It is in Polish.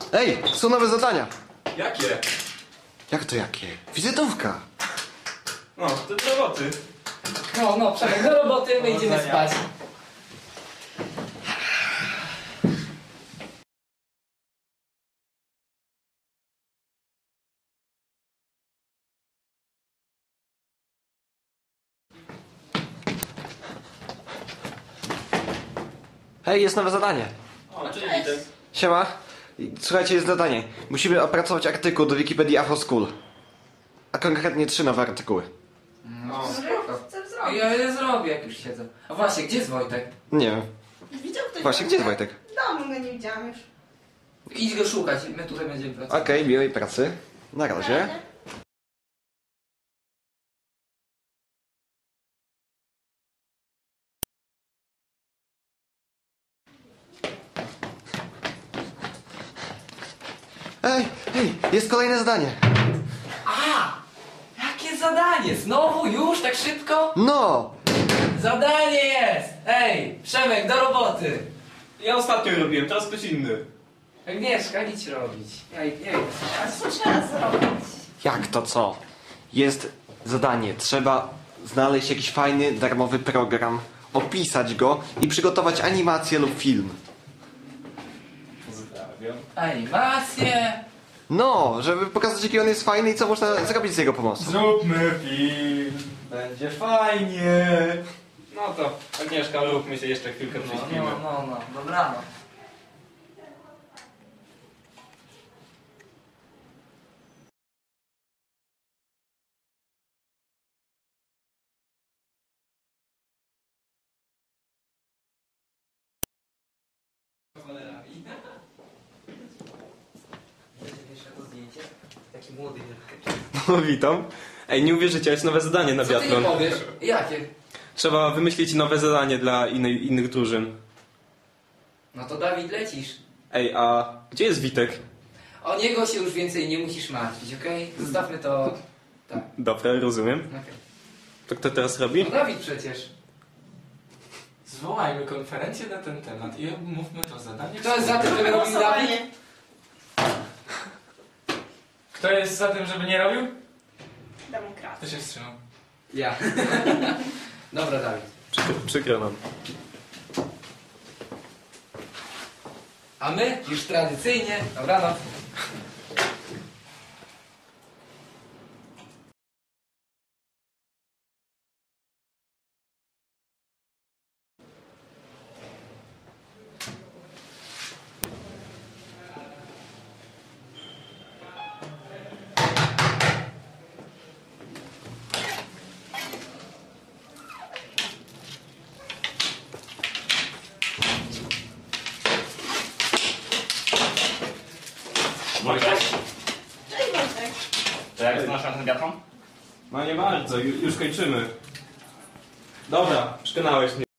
Ej, są nowe zadania. Jakie? Jak to jakie? Wizytówka. No, to do roboty. No, Przemek, do roboty, my idziemy spać. Hej, jest nowe zadanie. O, cześć, witam. Siema. Słuchajcie, jest zadanie. Musimy opracować artykuł do Wikipedii Afro School. A konkretnie 3 nowe artykuły. No, spoko. Ja je zrobię, jak już siedzę. A właśnie, gdzie jest Wojtek? Nie wiem. Widział ktoś Właśnie, gdzie jest Wojtek? W domu go nie widziałam już. Idź go szukać, my tutaj będziemy pracować. Okej, miłej pracy. Na razie. Ej, jest kolejne zadanie. A! Jakie zadanie? Znowu? Już? Tak szybko? No! Zadanie jest! Ej, Przemek, do roboty! Ja ostatnio robiłem, teraz ktoś inny. Agnieszka, idź robić. Ja idę. A co trzeba zrobić? Jak to co? Jest zadanie. Trzeba znaleźć jakiś fajny, darmowy program, opisać go i przygotować animację lub film. Pozdrawiam. Animacje! No, żeby pokazać, jaki on jest fajny i co można zrobić z jego pomocą. Zróbmy film. Będzie fajnie. No to, Agnieszka, róbmy się jeszcze chwilkę prześpimy. No, dobranoc. Taki młody wielki. No, witam. Ej, nie uwierzycie, jest nowe zadanie na Co ty nie biatlon. powiesz? Jakie? Trzeba wymyślić nowe zadanie dla innych drużyn. No to Dawid, lecisz. Ej, a gdzie jest Witek? O niego się już więcej nie musisz martwić, okej? Zostawmy to... Tak, Dobra, rozumiem. okej. To kto teraz robi? No Dawid przecież. Zwołajmy konferencję na ten temat i omówmy to zadanie. Kto jest za tym, żeby robił Dawid? Głosowanie. Kto jest za tym, żeby nie robił? Demokracja. Kto się wstrzymał? Ja. Dobra, Dawid. Przykro nam. A my już tradycyjnie... Dobranoc. Wojtek, Cześć Wojtek. to jak znasz ten biatlon? No nie bardzo, już kończymy. Dobra, przekonałeś mnie.